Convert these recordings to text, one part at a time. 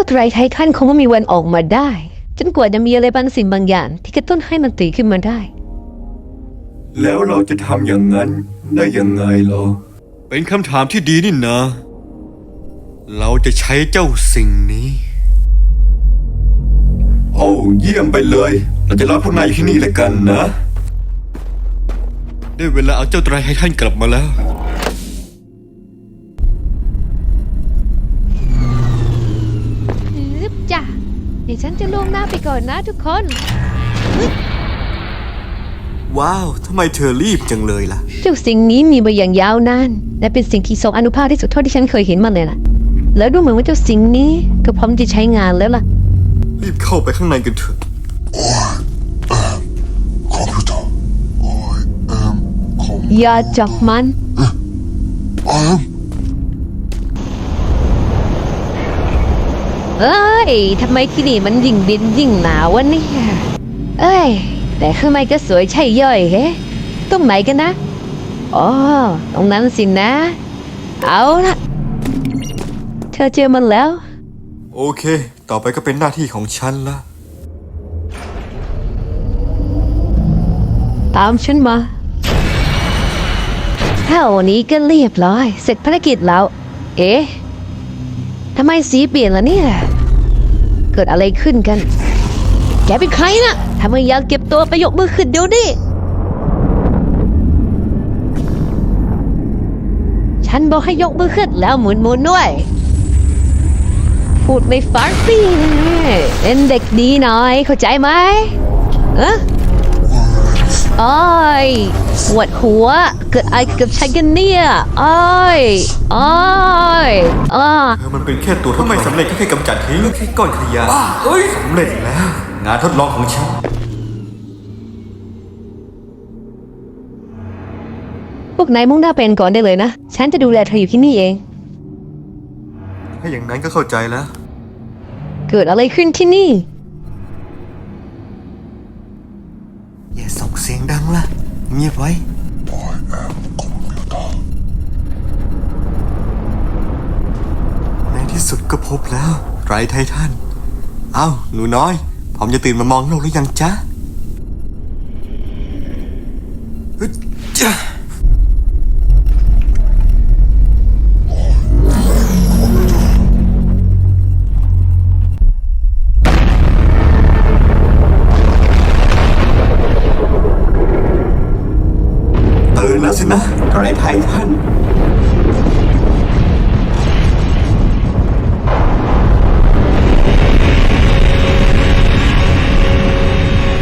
ไตรไททันคงไม่มีวันออกมาได้จนกว่าจะมีอะไรบางสิ่งบางอย่างที่กระตุ้นให้มันตื่นขึ้นมาได้แล้วเราจะทำอย่างนั้นได้ยังไงล่ะเป็นคำถามที่ดีนี่นะเราจะใช้เจ้าสิ่งนี้โอ้เยี่ยมไปเลยเราจะรอพวกนายอยู่ที่นี่แล้วกันนะได้เวลาเอาเจ้าไตรไททันกลับมาแล้วจ้ะเดี๋ยวฉันจะล่วงหน้าไปก่อนนะทุกคนว้าวทำไมเธอรีบจังเลยล่ะเจ้าสิ่งนี้มีมาอย่างยาวนานและเป็นสิ่งที่ทรงอานุภาพที่สุดเท่าที่ฉันเคยเห็นมาเลยล่ะแล้วดูเหมือนว่าเจ้าสิ่งนี้ก็พร้อมจะใช้งานแล้วล่ะรีบเข้าไปข้างในกันเถอะคอมพิวเตอร์อย่าจับมันเอ้ยทำไมที่นี่มันยิ่งดินยิ่งหนาววะเนี่ยเอ้ยแต่ข้างในก็สวยใช่ย่อยเฮ้ตรงไหนกันนะอ๋อตรงนั้นสินะเอาละเธอเจอมันแล้วโอเคต่อไปก็เป็นหน้าที่ของฉันละตามฉันมาเท่านี้ก็เรียบร้อยเสร็จภารกิจแล้วเอ๊ะทำไมสีเปลี่ยนล่ะเนี่ยเกิดอะไรขึ้นกันแกเป็นใครนะทำไมอยากเก็บตัวไปยกมือขึ้นเดี๋ยวนี้ฉันบอกให้ยกมือขึ้นแล้วหมุนด้วยพูดไม่ฟังสิเป็นเด็กดีหน่อยเข้าใจไหมอ้อยปวดหัวเกิดอะไรกับฉันกันเนี่ยอ้อยมันเป็นแค่ตัวทดลองไม่สำเร็จแค่กำจัดทิ้งแค่ก้อนขยะสำเร็จแล้วงานทดลองของฉันพวกนายมุ่งหน้าเป็นก่อนได้เลยนะฉันจะดูแลเธออยู่ที่นี่เองถ้าอย่างนั้นก็เข้าใจแล้วเกิดอะไรขึ้นที่นี่อย่าส่งเสียงดังล่ะเงียบไว้ในที่สุดก็พบแล้วไตรไททันเอ้าหนูน้อยพร้อมจะตื่นมามองโลกหรือยังจ๊ะจ๊ะตื่นแล้วสินะไตรไททัน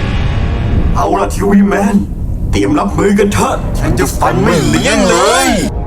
เอาล่ะทีวีแมนเตรียมรับมือกันเถอะฉันจะฟันไม่เลี้ยงเลย